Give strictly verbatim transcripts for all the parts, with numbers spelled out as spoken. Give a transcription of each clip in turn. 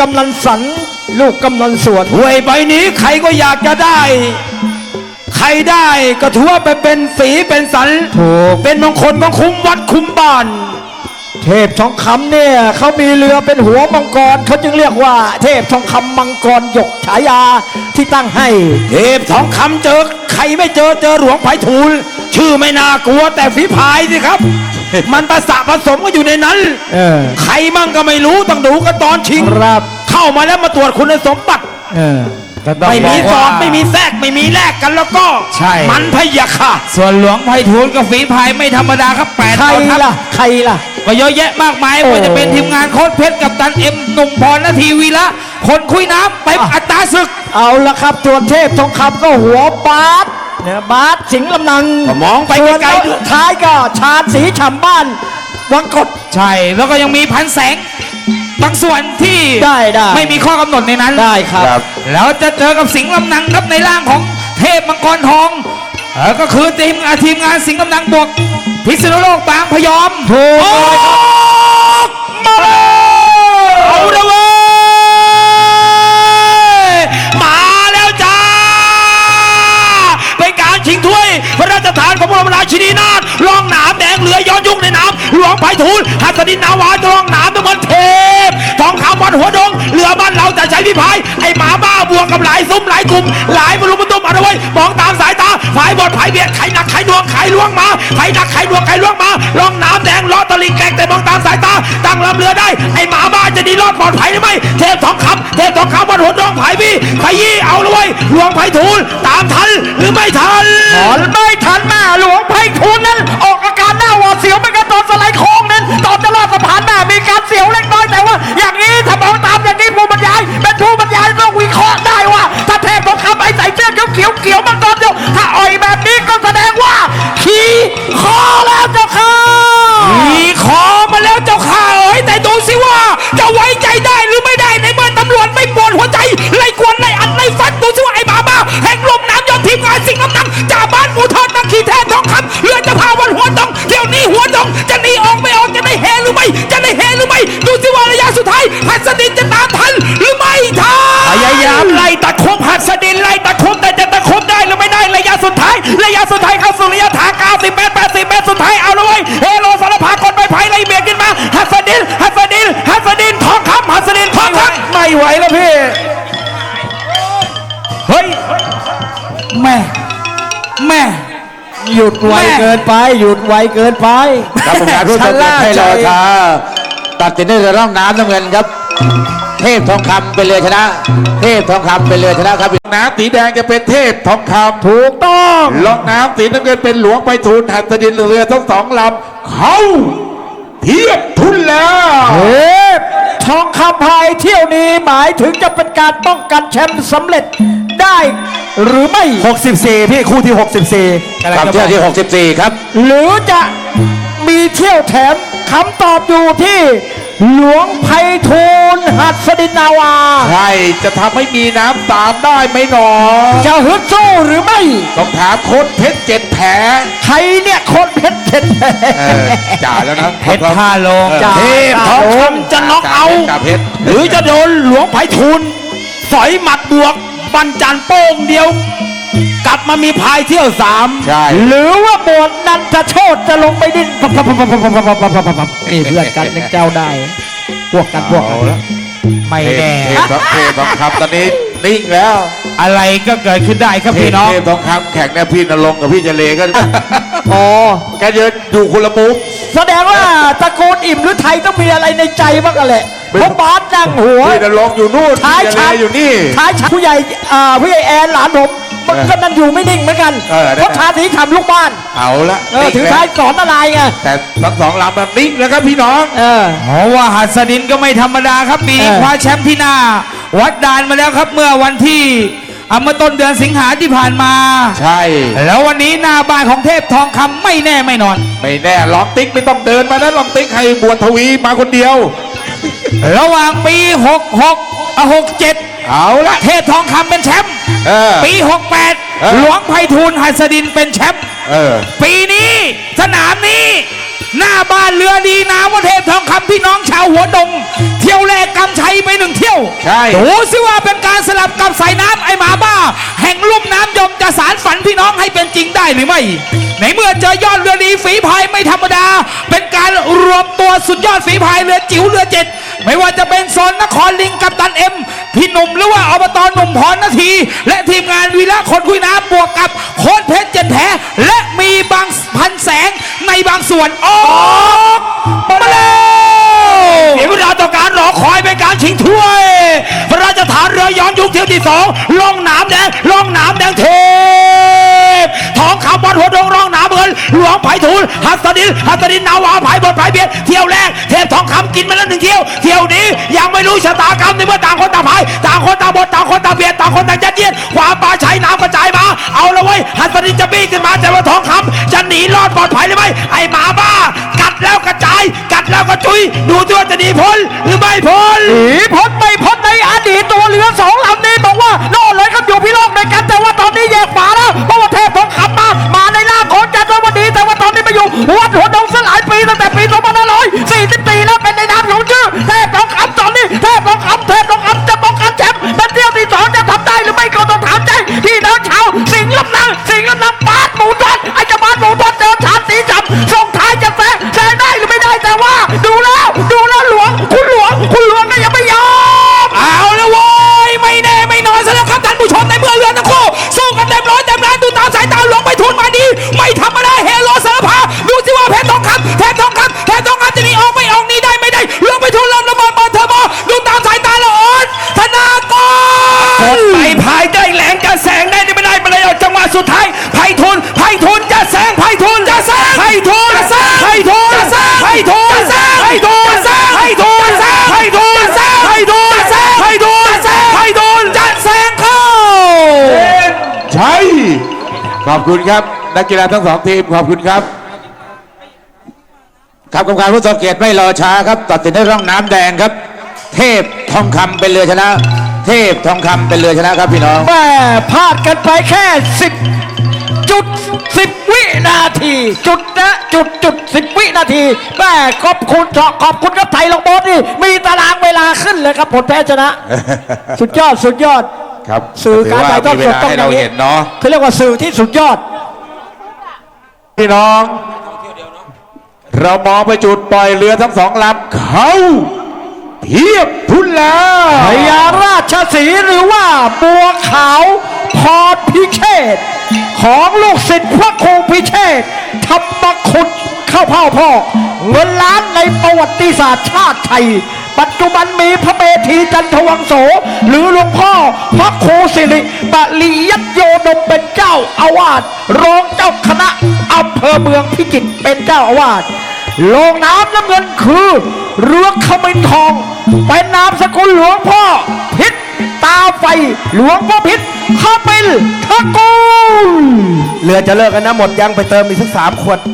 ำนันสันลูกกำนันสวนถ้วยใบนี้ใครก็อยากจะได้ใครได้ก็ถือว่าไปเป็นสีเป็นสันถูกเป็นมงคลของคุ้มวัดคุ้มบ้านเทพทองคำเนี่ยเขามีเรือเป็นหัวมังกรเขาจึงเรียกว่าเทพทองคำมังกรหยกฉายาที่ตั้งให้เทพทองคำเจอใครไม่เจอเจอหลวงไผ่ทูลชื่อไม่น่ากลัวแต่ฝีพายสิครับ มันประสะผสมกันอยู่ในนั้นใครมั่งก็ไม่รู้ต้องดูกันตอนชิงเข้ามาแล้วมาตรวจคุณสมบัติไม่มีสอบไม่มีแทรกไม่มีแลกกันแล้วก็ใช่มันพยาค่ะส่วนหลวงไผ่ทูลกับฝีพายไม่ธรรมดาครับแปดใครล่ะใครล่ะก็เยอะแยะมากมายว่าจะเป็นทีมงานโค้ชเพชรกับตันเอ็มหนุ่มพรนาทีวีละคนคุยน้ำไปอัตราศึกเอาละครับตัวเทพทองคำก็หัวบาสเนี่ยบาสสิงห์ลำนังมองไปไกลๆท้ายก็ชาญศรีฉ่ำบ้านวังกดใช่แล้วก็ยังมีพันแสงบางส่วนที่ได้ได้ไม่มีข้อกำหนดในนั้นได้ครับแล้วจะเจอกับสิงห์ลำนังครับในร่างของเทพมังกรทองเออก็คือทีมทีมงานสิงห์ลำนังบวกพิษณุโลกบางพยอมถูกมาเอาละเว้ยมาแล้วจ้าเป็นการชิงถ้วยพระราชทานของพระบรมราชินีนาถลองหนามแดงเหลือย้อนยุคในน้ำหลวงไผ่ทูลหัสดินนาวาจะลองหนามเป็นมันเทพทองคำวันหัวดงเรือบ้านเราจะใช้พิพายไอหมาบ้าบวกกับหลายซุ้มหลายกลุ่มหลายบรรลุบรรทุมอะไรไว้มองตามสายตาฝ่ายบอดฝ่ายเบียดไข่หนักไข่ดวงไข่ล่วงมาไข่หนักไข่ดวงไข่ล่วงมาลองหนามแดงล้อตะลิงแกงแต่มองตามสายตาตั้งลำเรือได้ไอหมาบ้าจะดีรอดปลอดภัยหรือไม่เทพทองคำเทพทองคำวันหัวดงไผ่พี่ไผ่ยี่เอาเลยไว้หลวงไผ่ทูลตามทันหรือไม่ทันไม่ทันแม่หลวงไผ่ทูลนั้นออกอาการหน้าหวาดเสียวเหมือนกันตอนสไลด์โค้งนั้นตอนจะลอดสะพานแม่มีการเสียวเล็กน้อยแต่ว่าอย่างนี้ถ้ามองตามอย่างนี้ผู้บรรยายเป็นผู้บรรยายต้องวิเคราะห์ได้ว่าถ้าเทพทองคำไอ้ใส่เสื้อเขียวเขียวมังกรเดียวถ้าอ่อยแบบนี้ก็แสดงว่าขี่คอแล้วเจ้าค่ะขี่คอมาแล้วเจ้าค่ะเอ้ยแต่ดูสิว่าจะไว้ใจได้หรือไม่ได้ในเมื่อตำรวจไม่ปวดหัวใจไล่กวนไล่อัดไล่ฟันดูสิว่าไอ้บ้าบ้าแห่งลมน้ำยอดทีมงานสิงห์ลำนังจ่าบ้านหมูทอดนักขี่แทนทองคำเรือจะพาวันหัวดงเที่ยวนี้หัวดงจะหนีออกไม่ออกจะได้เฮหรือไม่จะได้เฮหรือไม่ดูสิว่าระยะสุดท้ายหัสดินจะตามทันหรือไม่ทันพยายามไล่ตะคบหัสดินไล่ตะคบแต่จะตะคบได้หรือไม่ได้ระยะสุดท้ายระยะสุดท้ายเข้าสู่ระยะทางเก้าสิบเมตรแปดสิบเมตรสุดท้ายเอาเลยเฮโลสารพากดไปไผ่ไล่เบียดขึ้นมาหัสดินหัสดินหัสดินทองคำหัสดินทองคำไม่ไหวแล้วพี่เฮ้ยแม่แม่หยุดไวเกินไปหยุดไวเกินไปครับผมงานผู้ชมให้รอช้าตัดสินด้วยร่องน้ำน้ำเงินครับเทพทองคำเป็นเรือชนะเทพทองคำเป็นเรือชนะครับน้ำสีแดงจะเป็นเทพทองคำถูกต้องล่องน้ำสีน้ำเงินเป็นหลวงไผ่ทูลหัสดินเรือทั้งสองลำเขาเทียบทุนแล้วเทพทองคำพายเที่ยวนี้หมายถึงจะเป็นการป้องกันแชมป์สำเร็จได้หรือไม่หกสิบสี่พี่คู่ที่หกสิบสี่กับเที่ยวที่หกสิบสี่ครับหรือจะมีเที่ยวแถมคำตอบอยู่ที่หลวงไผ่ทูลหัสดินนาวาใช่จะทำให้มีน้ำตามได้ไหมหนอจะฮึดสู้หรือไม่ต้องถามโค้ชเพชรเจ็ดแผลใครเนี่ยโค้ชเพชรเจ็ดแผลจ่าแล้วนะเพชรท่าลงเทพทองคำจะน็อกเอาหรือจะโดนหลวงไผ่ทูลสอยหมัดบวกบันจันโป้งเดียวกลับมามีพายเที่ยวสามหรือว่าบวชนันทโชตจะลงไปดิ้นนี่เพื่อนกันยังเจ้าได้พวกกันพวกกันไม่แน่เทพทองคำตอนนี้นิ่งแล้วอะไรก็เกิดขึ้นได้ครับพี่น้องเทพทองคำแข่งเนี่ยพี่นรงค์กับพี่เจเลก็อ๋อแกเดินอยู่คนละมุมแสดงว่าตระกูลอิ่มหรือไทยต้องมีอะไรในใจบ้างกันแหละเพราะบาสนั่งหัวพี่นรงค์อยู่นู่นท้ายชันอยู่นี่ท้ายชัผู้ใหญ่อ่าผู้ใหญ่แอนหลานผมมันก็นั่นอยู่ไม่นิ่งเหมือนกันเพราะชาติทำลูกบ้านเอาละถึงท้ายสอนอะไรไงแต่ทั้งสองลำแบบนิ่งแล้วครับพี่น้องเออเพราะว่าหัสดินก็ไม่ธรรมดาครับปีนี้คว้าแชมป์ที่หน้าวัดดานมาแล้วครับเมื่อวันที่เมื่อต้นเดือนสิงหาที่ผ่านมาใช่แล้ววันนี้หน้าบ้านของเทพทองคำไม่แน่ไม่นอนไม่แน่ลองติ๊กไม่ต้องเดินมานะลองติ๊กให้บวชทวีมาคนเดียวระหว่างปีหกหกหกเจ็ดเอาละเทพทองคำเป็นแชมป์ปีหกแปดหลวงไผ่ทูลหัสดินเป็นแชมป์ปีนี้สนามนี้หน้าบ้านเรือดีนามว่าเทพทองคำพี่น้องชาวหัวดง เที่ยวแรกกำชัยไปหนึ่งเที่ยวใช่ดูสิว่าเป็นการสลับกับสายน้ำไอหมาบ้า แห่งลุ่มน้ำยมจะสารฝันพี่น้องให้เป็นจริงได้หรือไม่ในเมื่อเจอยอดเรือดีฝีพายไม่ธรรมดา เป็นการรวมตัวสุดยอดฝีพายเรือจิ๋วเรือเจ็ดไม่ว่าจะเป็นโซนนครลิงกับตันเอ็มพี่หนุ่มหรือว่าอบตหนุ่มพรนาที และทีมงานวีระคนคุยน้ำบวกกับโค้ชเพชรเจ็ดแผลและมีบางพันแสงในบางส่วนออกมาแล้วเสียเวลาต่อการรอคอยเป็นการชิงถ้วย พระราชทานเรือย้อนยุคเที่ยวที่สองล่องหนามแดงล่องหนามแดงเทพทองคำวัดหัวดงร่องหนามเงินหลวงไผ่ทูลหัสดินหัสดินนาวาไผ่บดไผ่เบียดเที่ยวแรกเทพทองคำกินมาแล้วหนึ่งเที่ยวเที่ยวนี้ยังไม่รู้ชะตากรรมในเมื่อต่างคนต่างพายต่างคนต่างบดต่างคนต่างเบียดต่างคนต่างยัดเยียดความปลาใช้น้ำกระจายมาเอาละเว้ยหัสดินจะบี้ขึ้นมาแต่ว่าทองคำจะหนีรอดปลอดภัยหรือไม่ไอหมาบ้ากัดแล้วกระจายกัดแล้วก็จุยดูที่ว่าจะหนีพ้นหรือไม่พ้นหนีพ้นไม่พ้นในอดีตตัวเรือสองลำนี้บอกว่าโน่นเลยครับอยู่พี่โลกในกันแต่ว่าตอนนี้แยกฝาแล้วเพราะว่าเทพทองคำมามาในร่างของจันทร์วันดีแต่ว่าตอนนี้มาอยู่วัดหัวดงสลายปีตั้งแต่ปีสองพันห้าร้อยสี่สิบสี่แล้วเป็นในนามของชื่อเทพทองคำตอนนี้เทพทองคำเทพทองคำจะป้องกันแชมป์เป็นเที่ยวที่สองจะทำได้หรือไม่ก็ต้องถามใจพี่น้องชาวสิงห์ลำนางสิงห์ลำนางบาสหมูทอดไอ้เจ้าบาสหมูทอดเจอชาติสีจับส่งท้ายจะแซงแซงได้หรือไม่ได้แต่ว่าดูแล้วดูแล้วหลวงคุณหลวงคุณหลวงก็ยังไม่ยอมเอาละโว้ยไม่แน่ไม่นอนซะแล้วครับท่านผู้ชมในเมื่อเรือทั้งคู่สู้กันเต็มร้อยเต็มแรงดูตามสายตาหลวงไปทุนมาดีไม่ธรรมดาเฮโลสารพาดูสิว่าเพชรทองคำเพชรทองคำเพชรทองคำจะหนีออกไม่ออกหนีได้ไม่ได้หลวงไปทุนลำระเบิดเปิดเทอร์โบดูตามสายตาละอ่อนธนากรไปพายได้แหลงจะแสงได้ไม่ได้ไปเลยจังหวะสุดท้ายไผ่ทุนไผ่ทุนจะแสงไผ่ทุนจะแสงไผ่ทุนจะแสงไผ่ทุนจะแสงไผ่ทุนจะแสงไผ่ทุนจะแสงไผ่ทุนจะแสงไผ่ทุนจะแสงไผ่ทุนจะแสงไผ่ทุนจะแสงไผ่ทุนจะแสงเข้าใช่ขอบคุณครับนักกีฬาทั้งสองทีมขอบคุณครับครับกรรมการผู้ทรงเกียรติไม่รอช้าครับตัดสินในร่องน้ำแดงครับ เทพทองคำเป็นเรือชนะ เทพทองคำเป็นเรือชนะครับพี่น้องแม่พลาดกันไปแค่สิบจุดสิบวินาทีจุดนะจุดจุดสิบวินาทีแม่ขอบคุณขอบคุณครับไทยลงบอลนี่มีตารางเวลาขึ้นเลยครับผลแพ้ชนะ สุดยอดสุดยอดครับสื่อการถ่ายทอดสดต้องให้อเราย่างนี้เห็นเนาะเขาเรียกว่าสื่อที่สุดยอดพี่น้อง เรามองไปจุดปล่อยเรือทั้งสองลำเขาเพียบทุนแล้วพญาราชสีห์หรือว่าบัวขาวพรพิเชษฐ์ของลูกศิษย์พระครูพิเชษฐ์ธรรมคุณเข้าเผ่าพ่อเงินล้านในประวัติศาสตร์ชาติไทย ปัจจุบันมีพระเมธีจันทวังโส หรือหลวงพ่อพระครูสิริปริยัตโยดมเป็นเจ้าอาวาสรองเจ้าคณะอำเภอเมืองพิจิตรเป็นเจ้าอาวาสโลงน้ำน้ำเงินคือเรือขมิ้นทองเป็นนามสกุลหลวงพ่อพิษตาไฟหลวงพ่อพิษขมิ้นทะกูลเรือจะเลิกกันนะหมดยังไปเติมอีกสักสามขวด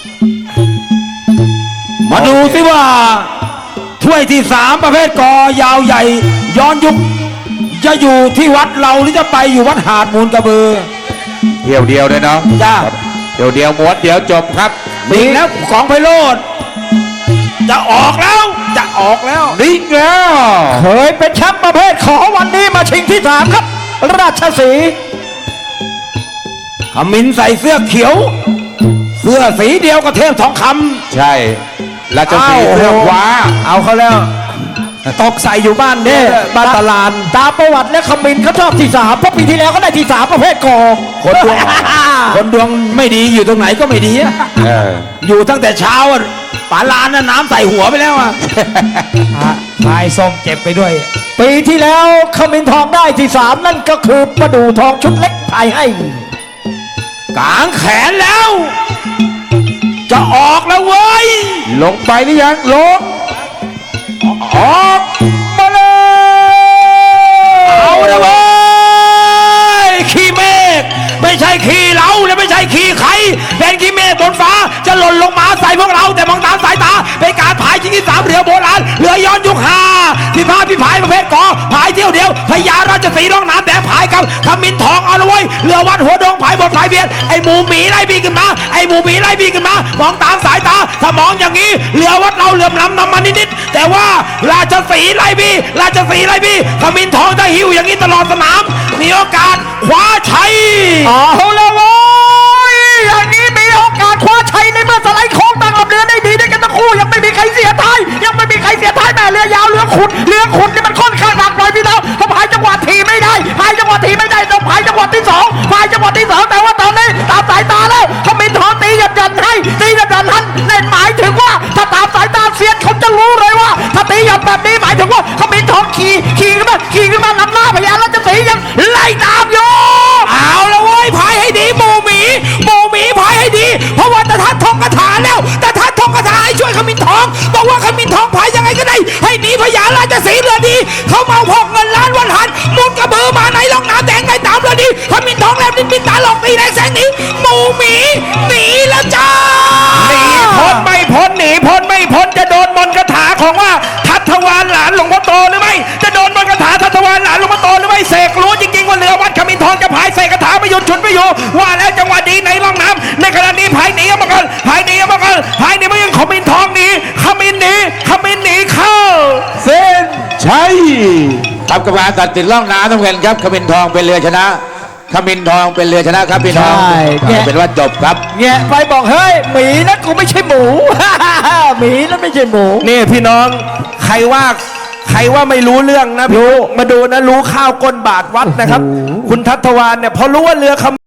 มาดูสิว่าถ้วยที่สามประเภทกอยาวใหญ่ ย้อนยุคจะอยู่ที่วัดเราหรือจะไปอยู่วัดหาดมูลกระบือเที่ยวเดียวเลยเนาะจ้าเที่ยวเดียวม้วนเดียวจบครับนิ่งแล้วของไพโรธจะออกแล้วจะออกแล้วนิ่งแล้วเคยเป็นแชมป์ประเภทขอวันนี้มาชิงที่สามครับ ราชสีห์ขมิ้นใส่เสื้อเขียว เสื้อสีเดียวกับเทพทองคใช่ราชสีห์เสื้อขวาำเอาเขาแล้วตกใส่อยู่บ้านเนี่ยบ้านตลาดตามประวัติและคมินเขาชอบที่สามเพราะปีที่แล้วเขาได้ที่สามประเภทกอคนดวง คนดวงไม่ดีอยู่ตรงไหนก็ไม่ดีอะเอออยู่ตั้งแต่เช้าอะป๋าลานน่ะน้ำใส่หัวไปแล้วอะพายส้มเจ็บไปด้วยปีที่แล้วคมินทองได้ที่สามนั่นก็คือประดูทองชุดเล็กไทยให้กางแขนแล้ว จะออกแล้วเว้ยลงไปหรือยังลงออกมาเลยเอาละเว้ยขี้เมฆไม่ใช่ขี้เราและไม่ใช่ขี้ใครเป็นขี้เมฆบนฟ้าจะหล่นลงมาใส่พวกเราแต่มองตามสายตาเป็นการพายชิงที่สามเรือโบราณเรือย้อนยุคห้าพิพาทพิพายประเภทกอพายายเที่ยวเดียวพญาราชสีห์ร่องน้ำแดงพายกับขมิ้นทองเอาละเว้ยเรือวัดหัวดงพายบทพายเบียดไอ้หมูหมีไล่บีขึ้นมาไอ้หมูหมีไล่บีขึ้นมามองตามสายตาถ้ามองอย่างนี้เรือวัดเราเหลื่อมล้ำนำมานิดๆแต่ว่าราชสีห์ไล่บีราชสีห์ไล่บีขมิ้นทองจะหิวอย่างนี้ตลอดสนามมีโอกาสคว้าชัยเอาละโว้ยอย่างนี้มีโอกาสคว้าชัยในเมื่อสไลด์โค้งตั้งลำเรือได้ดีด้วยกันทั้งคู่ยังไม่มีใครเสียท้ายยังไม่มีใครเสียท้ายแม่เรือยาวเรือขุดเรือขุดนี่มันค่อนข้างหนักหน่อยพี่น้องถ้าพายจังหวะทีไม่ได้พายจังหวะทีไม่ได้ต้องพายจังหวะที่สองพายจังหวะที่สองแต่ว่าตอนนี้ตามสายตาแล้วเขามีทองตีหยันยันให้ตีหยันยันหันนั่นหมายถึงว่าถ้าตามสายตาเซียนเขาจะรู้เลยว่าถ้าตีหยันแบบนี้หมายถึงว่าเขามีทองขี่ขี่ขึ้นมาขี่ขึ้นมานำหน้าพญาราชสีห์ยังไล่ตามอยู่เอาละเว้ยพายให้ดีหมูหมีหมูหมีพายให้ดีเพราะว่าตะทัดทองกระถาแล้วตะทัดทองกระถาให้ช่วยขมิ้นทองบอกว่าขมิ้นทองพายยังไงก็ได้ให้หนีพญาราชสีห์เรือดีเขาเมาพกเงินล้านวันหันมุดกระเบือมาในร่องน้ำแดงในตามเรือดีขมิ้นทองแลบลิ้นปิดตาหลอกตีแรงแสงหนีหมูหมีหนีแล้วจ้าหนีพ้นไม่พ้นหนีพ้นไม่พ้นจะโดนมนต์คาถาของว่าทัตวานหลานหลวงพ่อโตหรือไม่จะโดนมนต์คาถาทัตวานหลานหลวงพ่อโตหรือไม่เสกรู้จริงๆว่าเรือวัดขมิ้นทองจะพายเสกคาถาไม่หยุดฉุดไม่อยู่ว่าแล้วจังหวะดีในร่องน้ำในขณะนี้พายหนีออกมาก่อนพายหนีออกมาก่อนพายหนีไม่ยังขมิ้นทองหนีขมิ้นหนีขมิ้นหนีเข้าเส้นชัยครับกรรมการตัดสินล่องน้ำน้ำเงินครับขมิ้นทองเป็นเรือชนะขมิ้นทองเป็นเรือชนะครับพี่น้องใช่แกะเป็นว่าจบครับแงะไปบอกเฮ้ยหมีนะกูไม่ใช่หมู หมีนะไม่ใช่หมูนี่พี่น้องใครว่าใครว่าไม่รู้เรื่องนะพี่มาดูนะรู้ข้าวก้นบาทวัดนะครับ คุณทัตวานเนี่ยพอรู้ว่าเรือข